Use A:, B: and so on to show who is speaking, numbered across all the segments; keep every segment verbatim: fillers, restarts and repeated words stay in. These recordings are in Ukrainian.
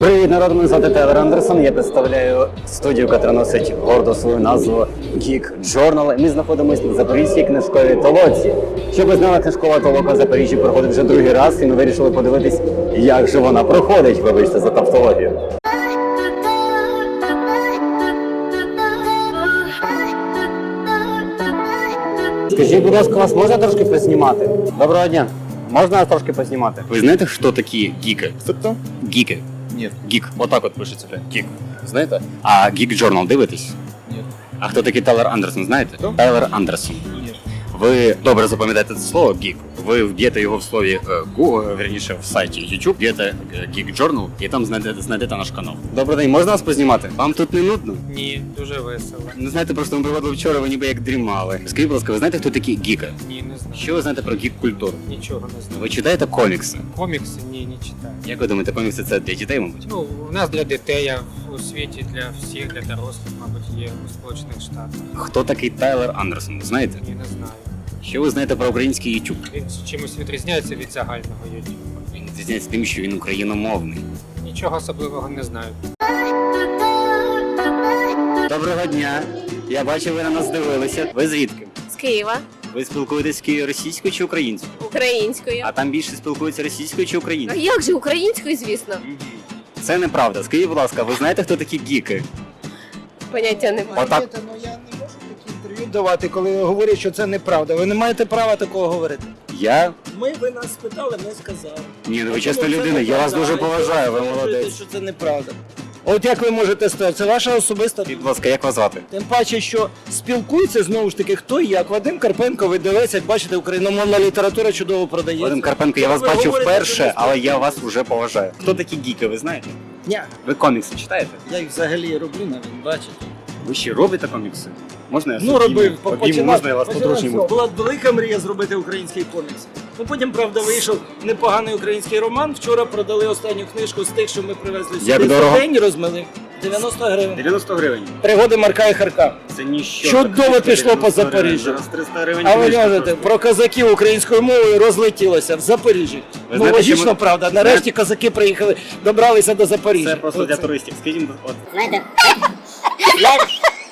A: Привіт, народ, мене звати Тайлер Андерсон. Я представляю студію, яка носить гордо свою назву Geek Journal. Ми знаходимося на Запорізькій книжковій толоці. Щоб ви знали, книжкова толока в Запоріжжі проходить вже другий раз, і ми вирішили подивитись, як же вона проходить. Вибачте за тавтологію. Скажіть, будь ласка, вас можна трошки познімати? Доброго дня. Можна вас трошки познімати? Ви знаєте, хто такі гіки?
B: Хто?
A: Гіки.
B: Нет.
A: Гік. Отак от пишеться. Гік. Знаєте? А Geek Journal дивитесь?
B: Нет.
A: А хто такий Тайлер Андерсон, знаєте?
B: Хто?
A: Тайлер Андерсон.
B: Нет.
A: Ви добре запам'ятаєте це слово Geek. Ви вб'єте його в слові е, Google, вірніше в сайті YouTube, вб'єте е, Geek Journal і там знайдете, знайдете наш канал. Добрий день, можна вас познімати? Вам тут не нудно?
C: Ні, дуже весело.
A: Не знаєте, просто ми проводили вчора, ви ніби як дрімали. Скажіть, будь ласка, ви знаєте, хто такі гіки?
C: Ні, не знаю.
A: Що ви знаєте про гік-культуру?
C: Нічого не знаю.
A: Ви читаєте комікси?
C: Комікси? Ні, не читаю.
A: Як ви думаєте, комікси це для дітей, мабуть?
C: Ну, у нас для дітей, а у світі для всіх, для дорослих, мабуть, є у Сполучених Штатах.
A: Хто такий Тайлер Андерсон, ви знаєте?
C: Ні, не знаю.
A: Що ви знаєте про український YouTube?
C: Він чимось відрізняється від загального YouTube.
A: Він відрізняється тим, що він україномовний.
C: Нічого особливого не знаю.
A: Доброго дня. Я бачу, ви на нас дивилися. Ви звідки?
D: З Києва,
A: Ви спілкуєтесь Києві російською чи українською?
D: українською.
A: А там більше спілкуються російською чи
D: А
A: українською?
D: як же українською, звісно?
A: Це неправда. Скажіть, будь ласка, ви знаєте, хто такі гіки?
D: Поняття немає.
A: Отак.
B: Знаєте, ну я не можу такі інтерв'ю давати, коли говорять, що це неправда. Ви не маєте права такого говорити.
A: Я?
B: Ми, ви нас спитали, ми сказали.
A: Ні, ну ви
B: Тому
A: чесна
B: це
A: людина, я вас
B: неправда,
A: дуже
B: а
A: поважаю, ви
B: ви стверджуєте,
A: молодець.
B: що це неправда. От як ви можете стверджувати? Це ваша особиста.
A: Скажіть, будь ласка, як вас звати?
B: Тим паче, що спілкуються знову ж таки хто і як. Вадим Карпенко, ви дивитесь, як бачите, україномовна література чудово продається.
A: Вадим Карпенко, я вас
B: Ви
A: бачив
B: говорите, що
A: вперше,
B: ви
A: але я вас вже поважаю. Хто такі гіки, ви знаєте?
B: Ні,
A: Ви комікси читаєте?
B: я їх взагалі роблю навіть, бачите.
A: Ви ще робите комікси? Можна я
B: Ну,
A: собі
B: робив,
A: обійму?
B: починав.
A: Можна я вас
B: починав
A: по-дружньому?
B: з цього. Була велика мрія зробити український комікс. Ну, потім, правда, вийшов непоганий український роман. Вчора продали останню книжку з тих, що ми привезли сюди.
A: Як
B: за
A: дорого?
B: день розмили. дев'яносто гривень.
A: дев'яносто гривень.
B: Пригоди Марка і Харка.
A: Це ніщо.
B: Чудово
A: Так,
B: пішло по
A: дев'яносто гривень.
B: Запоріжжю.
A: Зараз триста гривень.
B: А ви
A: книжка
B: кажете,
A: коштує.
B: про козаків українською мовою розлетілося в Запоріжжі. Ну,
A: знаєте,
B: логічно,
A: що ми-
B: правда. Нарешті козаки приїхали, добралися до Запоріжжя.
A: Це просто для
B: Оце.
A: туристів. Скажіть, от
E: Знаєте, знаєте,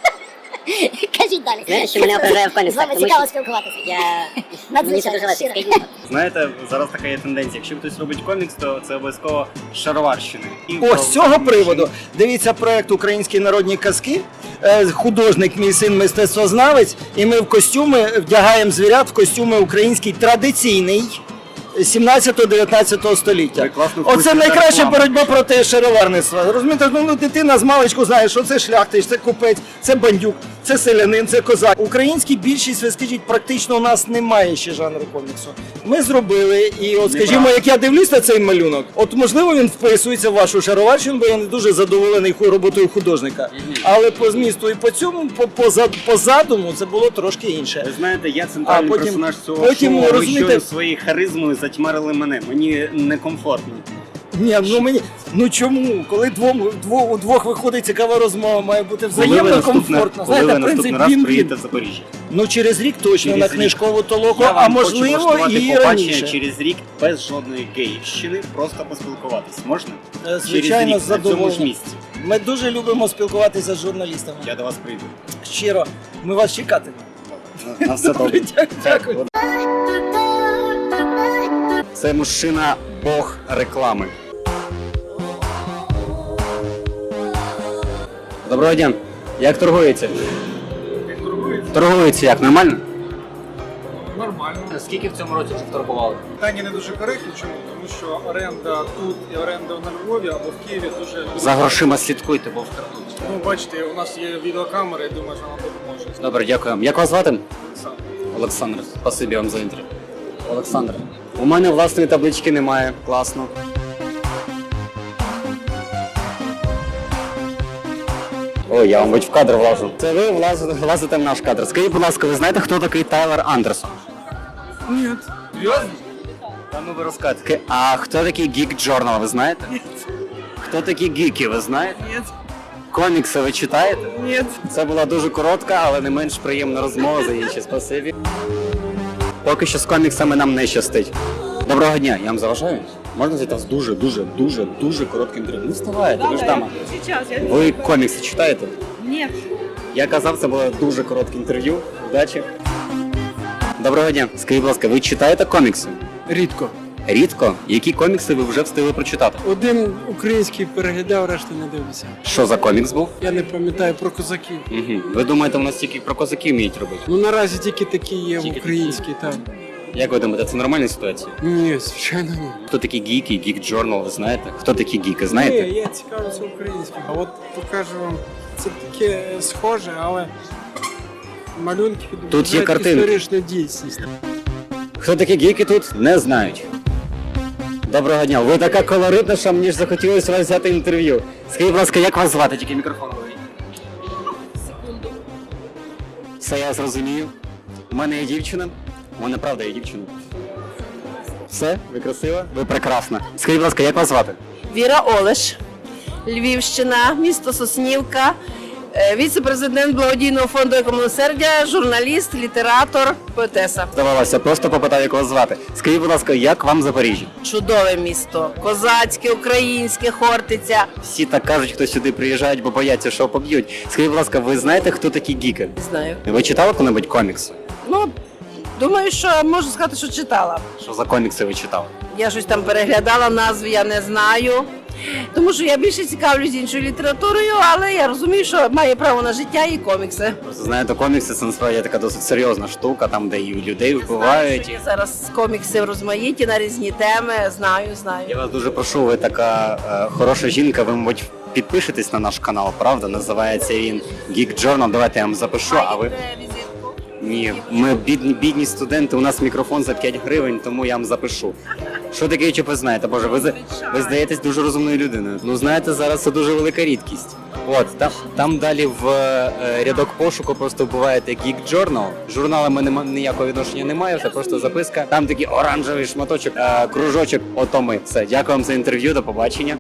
F: Кажіть далі.
E: знаєте, що мене окружає в
F: З
E: коміксах,
F: вами
E: тому
F: цікаво
E: що
F: спілкуватися.
E: я...
F: Надзвичайно,
E: Мені це дуже легко,
F: щиро.
E: скажіть.
A: знаєте, зараз така є тенденція. Якщо хтось робить комікс, то це обов'язково з шароварщини. І
B: О,
A: про-
B: з цього приводу дивіться проект «Українські народні казки». Е, Художник, мій син мистецтвознавець, і ми в костюми вдягаємо звірят в костюми український традиційний сімнадцятого-дев'ятнадцятого століття.
A: Ви класно
B: Оце
A: вписуєте
B: найкраща
A: рекламу.
B: боротьба проти шароварництва. Розумієте, ну ну, дитина з маличку знає, що це шляхтич, це купець, це бандюк, це селянин, це козак. Український більшість, ви скажіть, практично у нас немає ще жанру коміксу. Ми зробили, і от скажімо,
A: Неправда.
B: як я дивлюсь на цей малюнок, от можливо він вписується в вашу шароварщину, бо я не дуже задоволений ху- роботою художника. Але по змісту і по цьому, по, по, зад- по задуму, це було трошки інше.
A: Ви знаєте, я центральний
B: А потім-
A: персонаж цього
B: потім,
A: шоу, а ви
B: розумієте-
A: щойно своєю харизмою затьмарили мене. Мені некомфортно.
B: Ні, ну мені ну чому? Коли двом двох у двох виходить цікава розмова, має бути
A: Коли ви
B: взаємно
A: наступне-
B: комфортно.
A: коли ви
B: Знаєте, принцип
A: наступний раз
B: він
A: приїдете в Запоріжжя?
B: Ну через рік точно
A: Через
B: на
A: рік.
B: книжкову толоку,
A: Я
B: а
A: вам хочу
B: можливо
A: влаштувати
B: і
A: побачення
B: раніше.
A: через рік без жодної гейщини, просто поспілкуватись. Можна?
B: Е, Звичайно,
A: через
B: з
A: рік, на цьому ж
B: задоволенням.
A: місці.
B: Ми дуже любимо спілкуватися з журналістами.
A: Я до вас прийду.
B: Щиро, ми вас чекатимемо.
A: На- На все добре.
B: Дякую.
A: Це мужчина бог реклами. Доброго дня. Як торгується? Торгується як? Нормально?
C: Нормально.
A: Скільки в цьому році вже торгували?
G: Питання не дуже коректні, чому? Тому що оренда тут і оренда на Львові або в Києві дуже...
A: За грошима слідкуйте, бо вкрадуть.
G: Ну, бачите, у нас є відеокамери, я думаю, що нам допоможе.
A: Добре, дякую. Як вас звати?
G: Сам.
A: Олександр. Спасибі вам за інтерв'ю. Олександр. У мене власної таблички немає. Класно. Ой, я, мабуть, в кадр влажу. Це ви влазите, влазите в наш кадр. Скажіть, будь ласка, ви знаєте, хто такий Тайлер Андерсон?
G: Ні. Серйозно?
A: Та ну ви розказуєте. А хто такий Geek Journal, ви знаєте? Ні. Хто такі гіки, ви знаєте?
G: Ні.
A: Комікси ви читаєте?
G: Ні.
A: Це була дуже коротка, але не менш приємна розмова за інші. Спасибі. Поки що з коміксами нам не щастить. Доброго дня, я вам заважаю? Можна взяти вас дуже, дуже, дуже, дуже коротке інтерв'ю? Не вставайте, ви ж дама. Ви комікси читаєте?
D: Ні.
A: Я казав, це було дуже коротке інтерв'ю. Удачі. Доброго дня. Скажіть, будь ласка, ви читаєте комікси?
H: Рідко.
A: Рідко? Які комікси ви вже встигли прочитати?
H: Один український переглядав, решту не дивився.
A: Що за комікс був?
H: Я не пам'ятаю про козаків.
A: Угу. Ви думаєте, у нас тільки про козаків вміють робити?
H: Ну наразі тільки такі є
A: Тільки
H: в українській, там.
A: Як ви думаєте, це нормальна ситуація?
H: Ні, звичайно, ні.
A: Хто такі гіки, гік джорнал, ви знаєте? Хто такі гіки, знаєте?
H: Ні, я цікавлюся українським. А от покажу вам, це таке схоже, але малюнки відображають
A: картинки.
H: історичну дійсність.
A: Хто такі гіки тут, не знають. Доброго дня, ви така колоритна, що мені ж захотілося вас взяти інтерв'ю. Скажіть, будь ласка, як вас звати? Тільки мікрофон говоріть. Секунду. Все, я зрозумів. У мене є дівчина. У мене правда є дівчина. Все, ви красива, ви прекрасна. Скажіть, будь ласка, як вас звати?
I: Віра Олеш, Львівщина, місто Соснівка, е, віце-президент благодійного фонду «Екомилосердя», журналіст, літератор, поетеса.
A: Здавалося, просто попитав, як вас звати. Скажіть, будь ласка, як вам Запоріжжя?
I: Чудове місто, козацьке, українське, Хортиця.
A: Всі так кажуть, хто сюди приїжджають, бо бояться, що поб'ють. Скажіть, будь ласка, ви знаєте, хто такі гіки?
I: Не знаю.
A: Ви читали коли-небудь комікси?
I: Ну, думаю, що можу сказати, що читала.
A: Що за комікси ви читали?
I: Я щось там переглядала, назви я не знаю. Тому що я більше цікавлюсь іншою літературою, але я розумію, що має право на життя і комікси.
A: Просто знаєте, комікси це насправді така досить серйозна штука, там, де і людей вбивають.
I: Є зараз комікси розмаїті на різні теми, знаю, знаю.
A: Я вас дуже прошу, ви така е, хороша жінка, ви, мабуть, підпишетесь на наш канал, правда? Називається він Geek Journal. Давайте я вам запишу, а ви... Ні, ми бідні, бідні студенти, у нас мікрофон за п'ять гривень, тому я вам запишу. Що таке YouTube ви знаєте? Боже, ви, за- ви здаєтесь дуже розумною людиною. Ну, знаєте, зараз це дуже велика рідкість. От, там, там далі в е, рядок пошуку просто вбиваєте Geek Journal. Журналами нема, ніякого відношення немає, це просто записка. Там такий оранжевий шматочок, е, кружочок, ото ми. Все, дякую вам за інтерв'ю, до побачення.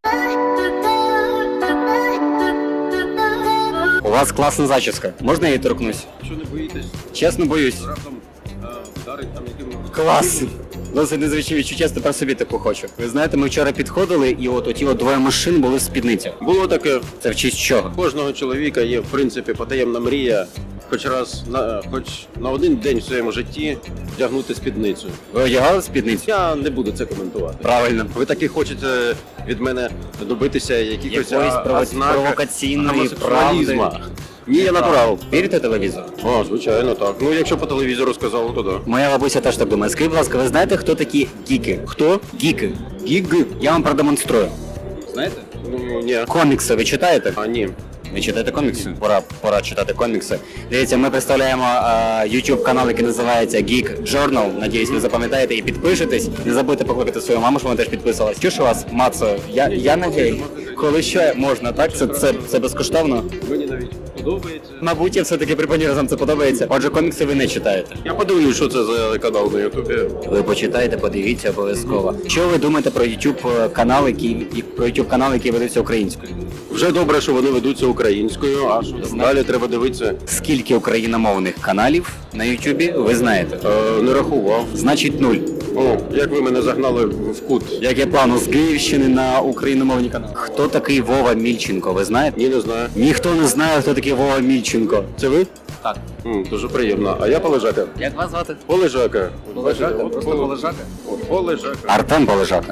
A: У вас класна зачіска. Можна я її торкнусь?
J: Що не боїтесь,
A: Чесно, боюсь.
J: раптом е, вдарить там яким
A: Клас! Досить незвичайне відчуття, тепер собі таку хочу. Ви знаєте, ми вчора підходили, і от оті от двоє машин були в спідницях.
J: Було таке.
A: Це в честь чого?
J: У кожного чоловіка є в принципі потаємна мрія, хоч раз на хоч на один день в своєму житті вдягнути спідницю.
A: Ви одягали спідницю?
J: Я не буду це коментувати.
A: Правильно.
J: Ви таки хочете від мене добитися якихось
A: Якоїсь
J: а-
A: прово-
J: ознак
A: провокаційної
J: гомосексуалізму.
A: правди.
J: Ні, я натурал.
A: Вірите телевізор?
J: О, звичайно, так. Ну, якщо по телевізору сказали, то да.
A: Моя бабуся теж так думає. Скажіть, будь ласка, ви знаєте, хто такі гіки? Хто? Гіки. Гіки. Я вам продемонструю. Знаєте?
J: Ну, ні.
A: Комікси ви читаєте?
J: А, ні.
A: Ви читаєте комікси? Пора, пора читати комікси. Дивіться, ми представляємо е, YouTube канал, який називається Geek Journal. Надіюсь, ви запам'ятаєте і підпишетесь. Не забудьте покликати свою маму, щоб вона теж підписалась. Чуєш у вас, Мацо? Я, я надію. Коли що можна, так? Це, це, це безкоштовно?
J: Мені навіть подобається.
A: Мабуть, я все-таки припиню, разом це подобається. Отже, комікси ви не читаєте.
J: Я подивлюсь, що це за канал на Ютубі.
A: Ви почитаєте, подивіться обов'язково. Що ви думаєте про YouTube канал, який і про YouTube канал, який ведеться українською?
J: Вже добре, що вони ведуться українською, а що там далі треба дивитися.
A: Скільки україномовних каналів на YouTube ви знаєте?
J: Е, не рахував.
A: Значить, нуль.
J: О, як ви мене загнали в кут.
A: Як я плану з Київщини на україномовні канали. Хто такий Вова Мільченко, ви знаєте?
J: Ні, не знаю.
A: Ніхто не знає, хто такий Вова Мільченко.
J: Це ви?
A: Так.
J: М, дуже приємно. А я Полежака.
A: Як вас звати?
J: Полежака.
A: Полежака?
J: От
A: Просто
J: Пол-
A: Полежака?
J: от Полежака.
A: Артем Полежака.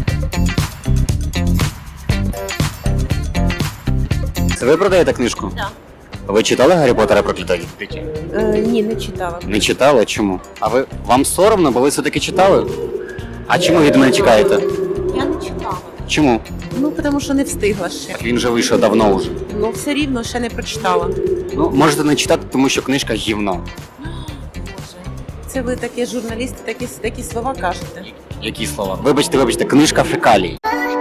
A: Це ви продаєте книжку?
D: Так.
A: Ви читали Гаррі Поттера проклятої дитя?
D: Е, ні, не читала.
A: Не читали? Чому? А ви вам соромно, бо ви все-таки читали? А чому від мене чекаєте?
D: Я не читала.
A: Чому?
D: Ну, тому що не встигла ще.
A: Так він же вийшов давно вже.
D: Ну, все рівно ще не прочитала.
A: Ну, можете не читати, тому що книжка гівно.
D: Боже. Це ви такі журналісти, такі, такі слова кажете.
A: Які слова? Вибачте, вибачте, книжка фекалій.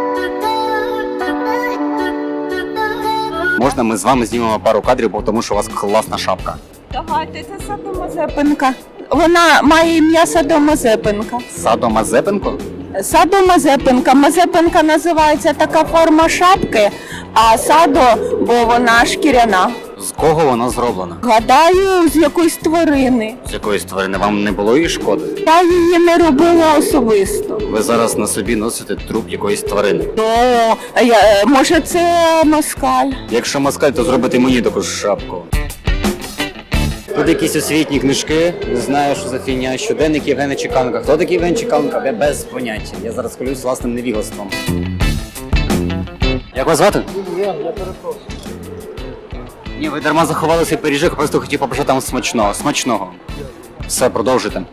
A: Можна ми з вами знімемо пару кадрів, бо тому що у вас класна шапка.
K: Давайте, це Садомазепинка. Вона має ім'я Садомазепинка.
A: Садо Мазепенко?
K: Садомазепинка. Мазепинка називається така форма шапки, а садо, бо вона шкіряна.
A: З кого вона зроблена?
K: Гадаю, з якоїсь тварини.
A: З якоїсь тварини вам не було її шкоди?
K: Я її не робила особисто.
A: Ви зараз на собі носите труп якоїсь тварини.
K: Ну, я, може це москаль?
A: Якщо москаль, то зробите мені таку ж шапку. Тут якісь освітні книжки, не знаю, що за фігня, щоденник Євгена Чеканка. Хто такий Євген Чеканка? Я без поняття. Я зараз хвилююсь власним невігоством. Як вас звати?
B: Я, я перепрошую.
A: Ні, ви дарма заховали свій пиріжок, просто хотів побажати вам смачного. Смачного. Все, продовжуйте.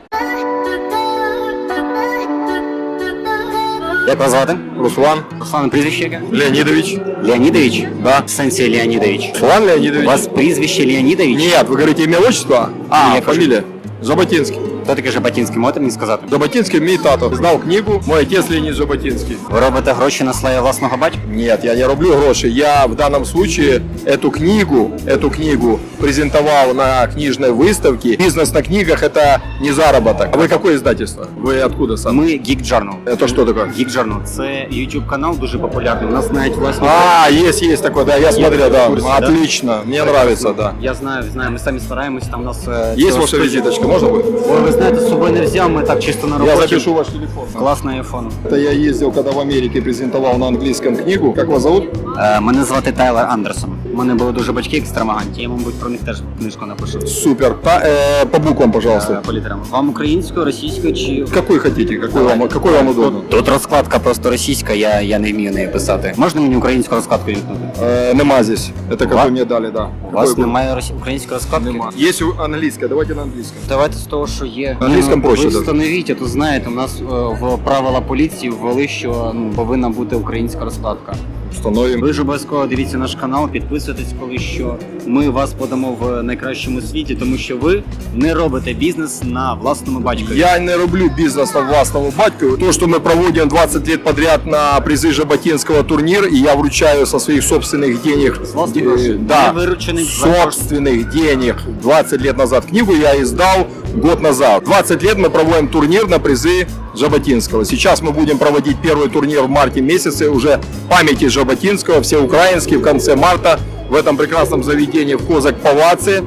A: Як вас звати?
J: Руслан
A: Руслан, прізвище яке?
J: Леонидович.
A: Леонідович? Да. В сенсі Леонідович.
J: Руслан
A: У
J: Леонидович.
A: вас прізвище Леонідович?
J: Нет, вы говорите имя, отчество?
A: А,
J: Нет,
A: кажу.
J: фамилия. Жаботинский.
A: Хто такий Жаботінський, можете мені сказати?
J: Жаботинский мій тато. Знав книгу, мой отец Леонид Жаботинский.
A: Ви робите гроші на славі власного батька?
J: Нет, я не роблю гроши. Я в данном случае эту книгу, эту книгу презентовал на книжной выставке. Бизнес на книгах — это не заработок. А вы какое издательство? Вы откуда сам?
A: Ми Geek Journal.
J: Это что такое?
A: Geek Journal – це YouTube канал дуже популярний. У нас навіть власні.
J: А, есть, есть такой, да, я смотрел, да.
A: в курсе, да?
J: Отлично, мне нравится, да.
A: Я знаю, знаю, ми самі стараємось, там у нас... е,
J: Есть
A: ціла
J: ваша
A: студія.
J: визиточка, можно будет?
A: Ой, ви знаєте, з собою не взяв, ми так чисто на
J: Я
A: роботі.
J: запишу ваш телефон.
A: Класний айфон.
J: Это я ездил, когда в Америке презентовал на английском книгу. Как вас зовут?
A: Е, мене звати Тайлер Андерсон. У мене були дуже батьки екстравагантні, я, мабуть, про них теж книжку напишу.
J: Супер. Та, э, по буквам,
A: Е,
J: пожалуйста.
A: по літерам. Вам українською, російською чи...
J: Какой хотите, какой вам, какой вам удобно?
A: Тут розкладка просто російська, я, я не вмію нею писати. Можна мені українську розкладку вімкнути?
J: Э, нема здесь. Это как
A: Ва-
J: вы мне дали, да.
A: У вас
J: Какой
A: немає росі... української розкладки?
J: Нема. Есть у- английская, давайте на английском.
A: Давайте з того, що є.
J: На англійському
A: Ну,
J: проще,
A: Ви
J: да.
A: встановіть, а то знаєте, у нас е, в правила поліції ввели, що ну, повинна бути українська розкладка.
J: Установим.
A: Ви ж обов'язково дивіться наш канал, підписуйтесь, коли що ми вас подамо в найкращому світі, тому що ви не робите бізнес на власному батькові.
J: Я не роблю бизнес на властному батьку. То, что мы проводим двадцать лет подряд на призы Жаботинского турнир, и я вручаю со своих собственных денег,
A: С власных
J: э,
A: грошей?
J: да,
A: Не вырученных за
J: собственных денег. двадцать лет назад книгу я издал год назад. двадцать лет мы проводим турнир на призы Жаботинского. Сейчас мы будем проводить первый турнир в марте месяце, уже памяти Жаботинского, всеукраинский, в конце марта в этом прекрасном заведении в Козак-Палаце.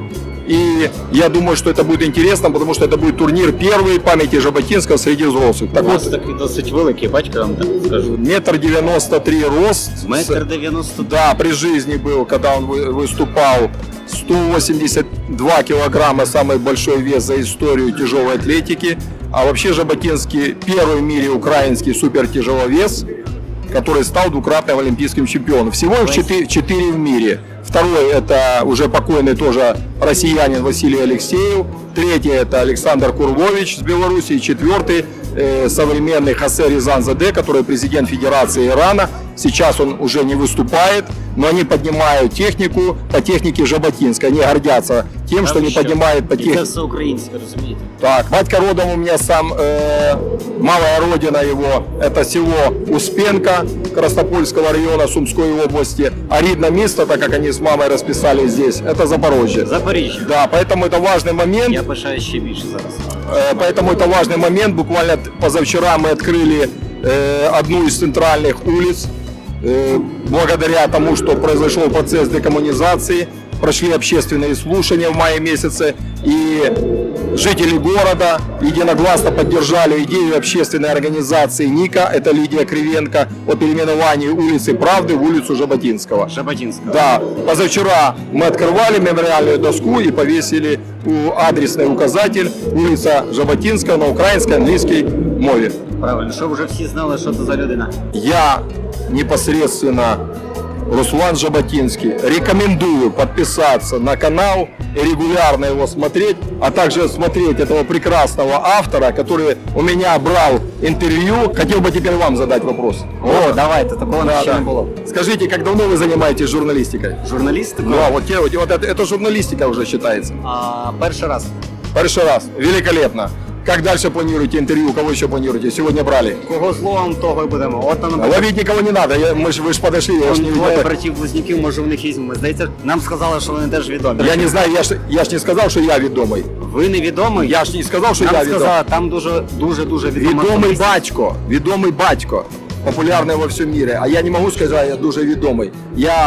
J: И я думаю, что это будет интересно, потому что это будет турнир первый памяти Жаботинского среди взрослых. Так
A: У вас
J: вот,
A: такий досить великий батько, я вам так скажу.
J: метр девяносто три рост.
A: Метр дев'яносто.
J: Да, при жизни был, когда он вы- выступал, сто восемьдесят два килограмма, самый большой вес за историю тяжелой атлетики. А вообще Жаботинский первый в мире украинский супертяжеловес, который стал двукратным олимпийским чемпионом. Всего их четыре, четыре в мире. Второй — это уже покойный тоже россиянин Василий Алексеев. Третий — это Александр Курлович с Беларуси. И четвертый э, современный Хосе Рязанзаде, который президент Федерации Ирана. Сейчас он уже не выступает, но они поднимают технику по технике Жаботинской. Они гордятся тем, что они поднимают по
A: І це
J: технике.
A: все українське, розумієте?
J: Так, батька родом у меня сам, э, малая родина его, это село Успенка Краснопольского района Сумской области. А рідне место, так как они с мамой расписали здесь, это Запорожье.
A: Запоріжжя.
J: Да, поэтому это важный момент.
A: Я пишаю ще більше зараз.
J: Э, Поэтому это важный момент. Буквально т- позавчера мы открыли э, одну из центральных улиц. Э, благодаря тому, что произошел процесс декоммунизации, прошли общественные слушания в мае месяце, и жители города единогласно поддержали идею общественной организации НИКа, это Лидия Кривенко, о переименовании улицы Правды в улицу Жаботинского.
A: Жаботинська.
J: Да, позавчера мы открывали мемориальную доску и повесили у- адресный указатель улица Жаботинская на украинской, английской мове.
A: Правильно, щоб вже всі знали, що це за людина.
J: Я непосредственно, Руслан Жаботинский, рекомендую подписаться на канал и регулярно его смотреть, а также смотреть этого прекрасного автора, который у меня брал интервью. Хотел бы теперь вам задать вопрос.
A: О, давайте, такого
J: Да,
A: ще
J: да.
A: не було.
J: Скажите, как давно вы занимаетесь журналистикой?
A: Журналістику?
J: Ну, а вот, те- вот, вот это, это журналистика уже считается.
A: А, перший раз.
J: Первый раз. Великолепно. Как дальше планируете интервью? Кого еще планируете? Сегодня брали.
A: Кого злом, того й будемо. От нам
J: Ловить никого не надо. Я, мы ж, вы же подошли, я ж не
A: двоє
J: видел.
A: братів-близнюків, може в них візьмемо. Здається, нам сказали, що вони теж відомі.
J: Я не знаю, я ж, я ж не сказал, что я ведомый.
A: Ви не відомий?
J: Я ж не сказав, що
A: Нам
J: я відомий.
A: сказали, там дуже, дуже, дуже відома
J: Відомий
A: особистість.
J: батько, відомий батько, популярний во всьому мірі. А я не можу сказати, я дуже відомий. Я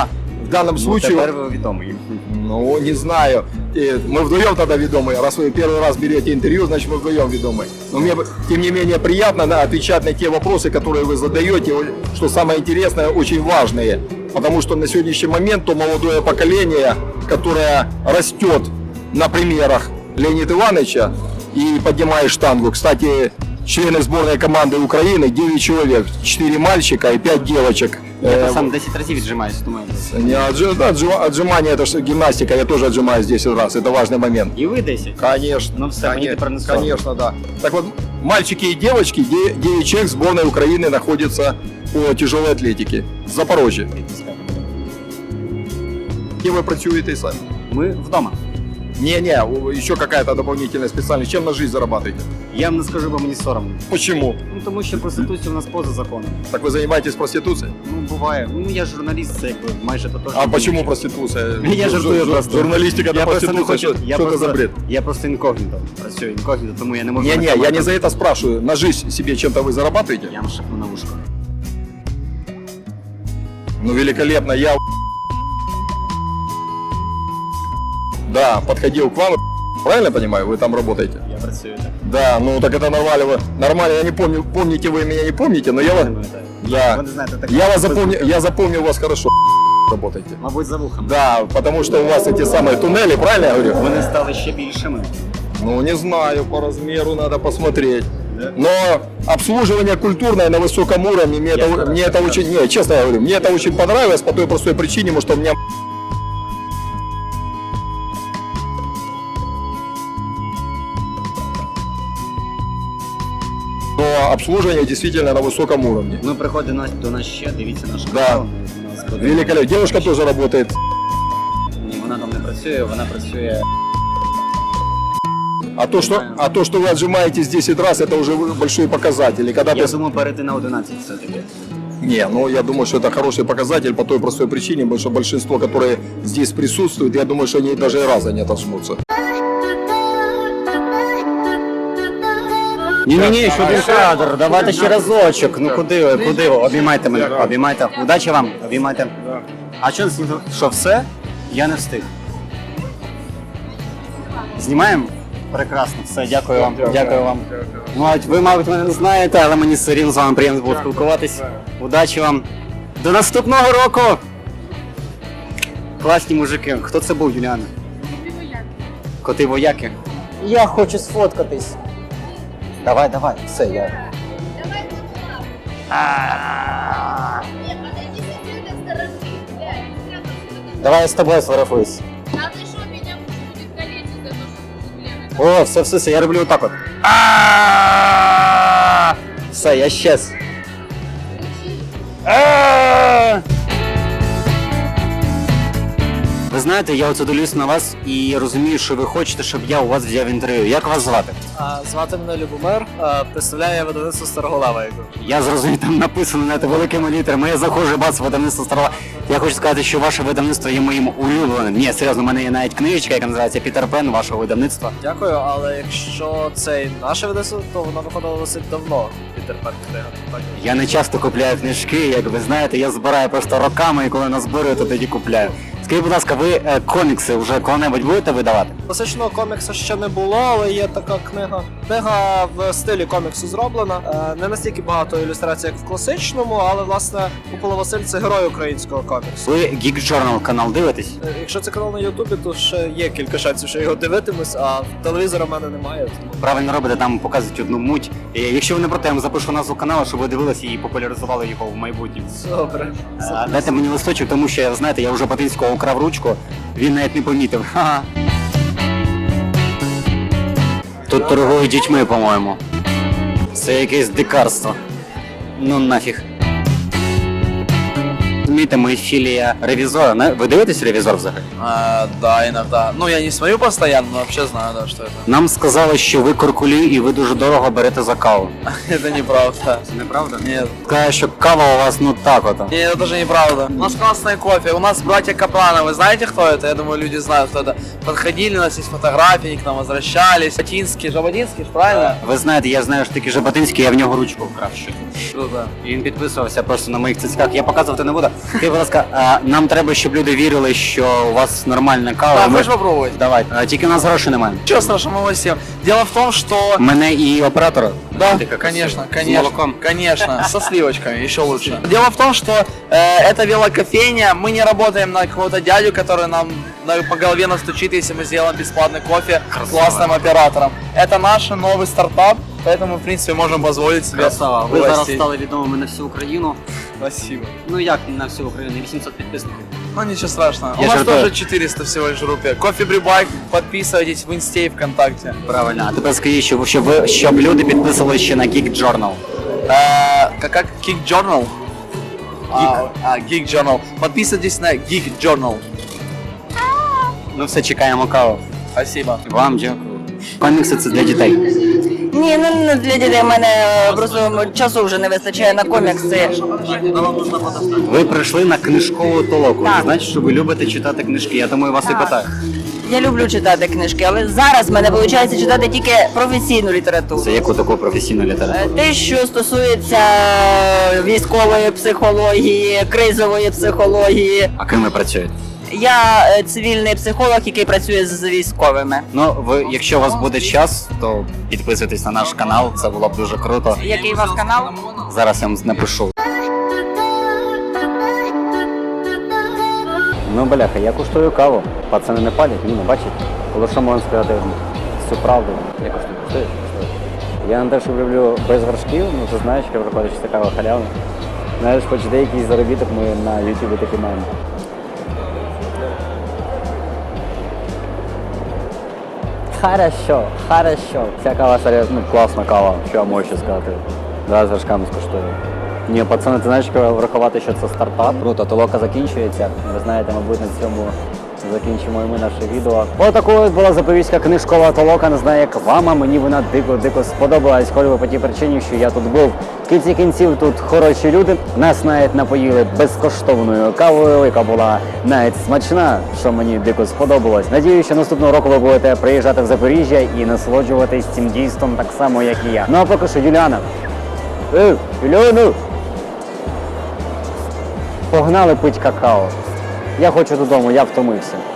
J: в данном
A: Ну,
J: случае...
A: тепер ви відомий.
J: Ну, не знаю. И мы вдвоем тогда ведомые. Раз вы первый раз берете интервью, значит мы вдвоем ведомые. Но мне, бы, тем не менее, приятно да, отвечать на те вопросы, которые вы задаете, что самое интересное, очень важные. Потому что на сегодняшний момент то молодое поколение, которое растет на примерах Леонида Ивановича и поднимает штангу. Кстати, члены сборной команды Украины девять человек, четыре мальчика и пять девочек.
A: Я
J: Э,
A: сам десять разів віджимаюся, тому я...
J: Не отжи- да, отжи- отжимание, это же гимнастика, я тоже отжимаюсь десять раз, это важный момент.
A: І ви десять?
J: Конечно,
A: Ну все, мені
J: конечно,
A: тепер не соромно.
J: конечно, да. Так вот, мальчики и девочки, де- девять человек сборной Украины находятся по тяжелой атлетике в Запорожье. Где вы працюете сами?
A: Ми вдома.
J: Не-не, у- еще какая-то дополнительная специальность. Чем на жизнь зарабатываете?
A: Я вам не скажу, бо мені соромно.
J: Почему?
A: Ну тому що проституція у нас поза законом.
J: Так вы занимаетесь проституцией?
A: Ну буває. Ну я журналіст, це якби майже тотожно.
J: А почему проституция?
A: Я жартую
J: Жур-
A: просто.
J: Журналистика
A: Я
J: это
A: просто не
J: проституция,
A: хочу.
J: что
A: Я
J: что это
A: просто,
J: за бред?
A: я просто інкогніто. Працюю інкогніто, тому я не можу.
J: Не-не,
A: на
J: я
A: камеру.
J: не за это спрашиваю. На жизнь себе чем-то вы зарабатываете?
A: Я вам шепну на вушко.
J: Ну, великолепно. Я да, подходил к вам. Правильно понимаю, вы там работаете?
A: Я працюю так.
J: Да, ну так это нормально. Вы- Нормально, я не помню, помните вы меня, не помните, но я вас...
A: Не пам'ятаю.
J: Да.
A: Ви не знаєте, так.
J: Я вас запомнил, я запомнил вас хорошо. Работаете.
A: Мабуть, за вухом.
J: Да, потому что у вас эти самые туннели, правильно я говорю?
A: Вони стали ще більшими.
J: Ну, не знаю, по размеру надо посмотреть.
A: Да?
J: Но обслуживание культурное на высоком уровне, мне,
A: Я
J: это,
A: стараюсь,
J: мне это
A: стараюсь.
J: очень, не, честно я говорю, мне это очень понравилось по той простой причине, потому что у меня но обслуживание действительно на высоком уровне.
A: Ну, приходить до нас, до нас ще, дивіться наш
J: Да.
A: канал. У нас буде-
J: Великолепно. Девушка тоже работает.
A: Ні, вона там не працює, вона працює.
J: А то, что, а то, что вы отжимаетесь десять раз, это уже большой показатель. И когда
A: Я
J: ты...
A: думаю, перейти на одинадцять все-таки.
J: Не, ну я думаю, что это хороший показатель по той простой причине, потому что большинство, которые здесь присутствуют, я думаю, что они даже и раза не отожмутся.
A: Ні-ні-ні, ще один кадр, давайте ще разочок. Ну куди ви, куди ви? Обіймайте мене, обіймайте. Удачі вам, обіймайте. А що, що все? Я не встиг. Знімаємо? Прекрасно, все, дякую вам, дякую вам. Ну, а ви, мабуть, мене не знаєте, але мені все рівно з вами приємно було спілкуватись. Удачі вам. До наступного року! Класні мужики. Хто це був, Юліана? Коти вояки. Я хочу сфоткатись. Давай, давай, все, я. А. Давай я з тобою сфотографуюсь. О, все, все, все, я роблю отак от. А. Все, я щез. А. Ви знаєте, я оце дивлюсь на вас і розумію, що ви хочете, щоб я у вас взяв інтерв'ю. Як вас звати?
L: А, звати мене Любомир, а, представляю видавництво Староголава.
A: Я зрозумів, там написано знаєте, великими літерами. Я заходжу, бац, видавництво Старова. Я хочу сказати, що ваше видавництво є моїм улюбленим. Ні, серйозно, у мене є навіть книжечка, яка називається Пітер Пен вашого видавництва.
L: Дякую, але якщо це наше видавництво, то воно виходило досить давно. Пітер Пен книга. Так.
A: Я не часто купляю книжки, як ви знаєте, я збираю просто роками, і коли назбирую, то тоді купляю. Скажіть, будь ласка, ви е, комікси вже коли-небудь будете видавати?
L: Класичного коміксу ще не було, але є така книга. Книга в стилі коміксу зроблена. Е, Не настільки багато ілюстрацій, як в класичному, але власне Микола Василь це герой українського коміксу.
A: Ви Geek Journal канал дивитесь?
L: Е, Якщо це канал на Ютубі, то ще є кілька шансів, що я його дивитимусь, а телевізора в мене немає. Тому...
A: Правильно робите, там показують одну муть. І якщо ви не проти, я вам запишу назву каналу, щоб ви дивилися і популяризували його в майбутньому.
L: Добре.
A: А, дайте мені листочок, тому що, знаєте, я вже Патинського украв ручку, він навіть не помітив. Ха-ха. Тут торгують дітьми, по-моєму. Це якесь дикарство. Ну нафіг. Розумієте, ми філія ревізора. Не? Ви дивитесь ревізор взагалі?
L: А, да, иногда. Ну, я не смотрю постоянно, но вообще знаю, да, что это.
A: Нам сказали, що ви куркулі і ви дуже дорого берете за каву.
L: Это неправда.
A: Це неправда?
L: Нет.
A: Каже, що кава у вас ну так от.
L: Нет, это тоже неправда. У нас классный кофе. У нас братья Капрановы. Знаете, кто это? Я думаю, люди знают, кто это. Подходили, у нас есть фотографии, они к нам возвращались. Жаботинский, Жаботинский, ж правильно?
A: Ви знаєте, я знаю, що таки Жаботинський, я в нього ручку вкрав щось.
L: Круто.
A: І він підписувався просто на моїх цицьках. Я показувати не буду. Скажіть, будь ласка, а нам треба, щоб люди вірили, що у вас нормальна кава.
L: Да,
A: Ми-
L: хочешь попробовать?
A: Давай. А, тільки у нас грошей немає.
L: Ничего страшного, мы всем. Дело в том, что...
A: Мене і оператора.
L: Да,
A: Ти як
L: конечно,
A: з
L: конечно,
A: молоком.
L: конечно, со сливочками, еще лучше. Дело в том, что э, это велокофейня, мы не работаем на какого-то дядю, который нам на- по голове настучит, если мы сделаем бесплатный кофе с классным оператором. Это наш новый стартап, поэтому, в принципе, можем позволить себе
A: Красава. Ви зараз
L: угостить.
A: стали відомими на всю Україну.
L: Спасибо.
A: Ну як на всю Україну? вісімсот підписників.
L: Ну ничего страшного.
A: Я
L: У нас
A: жартую.
L: тоже четыреста всего лишь в группе. Кофе Брибайк, подписывайтесь в Инсте и ВКонтакте.
A: Правильно. А тепер скажіть, щоб, щоб, ви, щоб люди підписували ще на Geek Journal.
L: Э, как, как Geek Journal? А, а, Geek Journal. Подписывайтесь на Geek Journal.
A: Ну все, чекаємо каву.
L: Спасибо.
A: Вам дякую. Комікси це для дітей.
K: Ні, ну не для дітей. У мене просто часу вже не вистачає на комікси.
A: Ви прийшли на книжкову толоку.
K: Так.
A: Значить, що ви любите читати книжки. Я тому і вас і питаю.
K: Я люблю читати книжки, але зараз в мене виходить читати тільки професійну літературу.
A: Це яку таку професійну
K: Е,
A: літературу?
K: Те, що стосується військової психології, кризової психології.
A: А ким ви працюєте?
K: Я е, цивільний психолог, який працює з військовими.
A: Ну, ви, якщо у вас буде час, то підписуйтесь на наш канал, це було б дуже круто.
K: Який у вас канал?
A: Зараз я вам напишу. Ну, бляха, я куштую каву. Пацани не палять, ні, не бачать. Але що можна сказати всю правду? Я куштую, куштую, куштую. Я не те, що люблю без горшків, ну ти знаєш, що виходить, що це кава халявна. Знаєш, хоч деякий заробіток ми на ютубі таки маємо. Хорошо, хорошо. Ця кава серйозно, ну, класна кава, що я можу ще сказати. Зараз з горшками скуштую. Ні, пацани, ти знаєш, що врахувати, що це стартап. Круто, толока закінчується. Ви знаєте, мабуть, на цьому закінчимо і ми наше відео. Отакою була запорізька книжкова толока. Не знаю, як вам, а мені вона дико-дико сподобалась. Хоч би по тій причині, що я тут був. В кінці кінців тут хороші люди. Нас навіть напоїли безкоштовною кавою, яка була навіть смачна, що мені дико сподобалось. Надію, що наступного року ви будете приїжджати в Запоріжжя і насолоджуватись цим дійством так само, як і я. Ну а поки що, Юліана. Ей, Юліана! Погнали пить какао. Я хочу додому, я втомився.